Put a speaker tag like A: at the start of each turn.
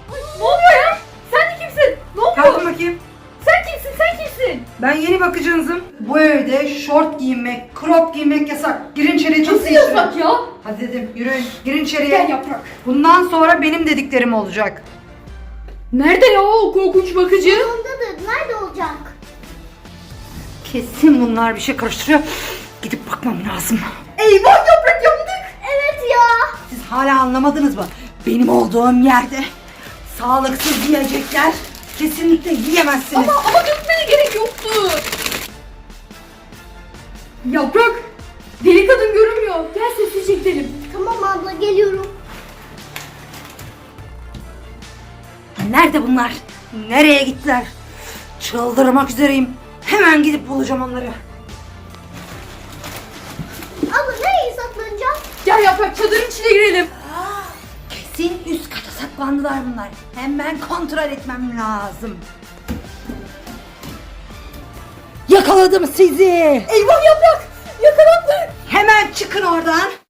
A: Ne oluyor ya? Sen de kimsin? Ne oluyor?
B: Kalkın bakayım.
A: Sen kimsin? Sen kimsin?
B: Ben yeni bakıcınızım. Bu evde şort giymek, crop giymek yasak. Girin içeriye, çok
A: Nasıl yasak ya?
B: Hadi dedim, yürüyün. Girin içeriye.
A: Gel Yaprak.
B: Bundan sonra benim dediklerim olacak.
A: Nerede ya o korkunç bakıcı?
C: Ondadır. Nerede olacak?
B: Kesin bunlar bir şey karıştırıyor. Gidip bakmam lazım.
A: Eyvah Yaprak, yandık.
C: Evet ya.
B: Siz hala anlamadınız mı? Benim olduğum yerde sağlıksız yiyecekler kesinlikle yiyemezsiniz.
A: Ama dökmene gerek yoktu. Yaprak, deli kadın görünmüyor. Gel sessizce gidelim.
C: Tamam abla, geliyorum.
B: Nerede bunlar? Nereye gittiler? Çıldırmak üzereyim. Hemen gidip bulacağım onları.
C: Abla nereye saklanacağız?
A: Gel Yaprak, çadırın içine girelim.
B: Kesin üst kata saklandılar bunlar. Hemen kontrol etmem lazım. Yakaladım sizi.
A: Eyvah Yaprak, yakalandık.
B: Hemen çıkın oradan.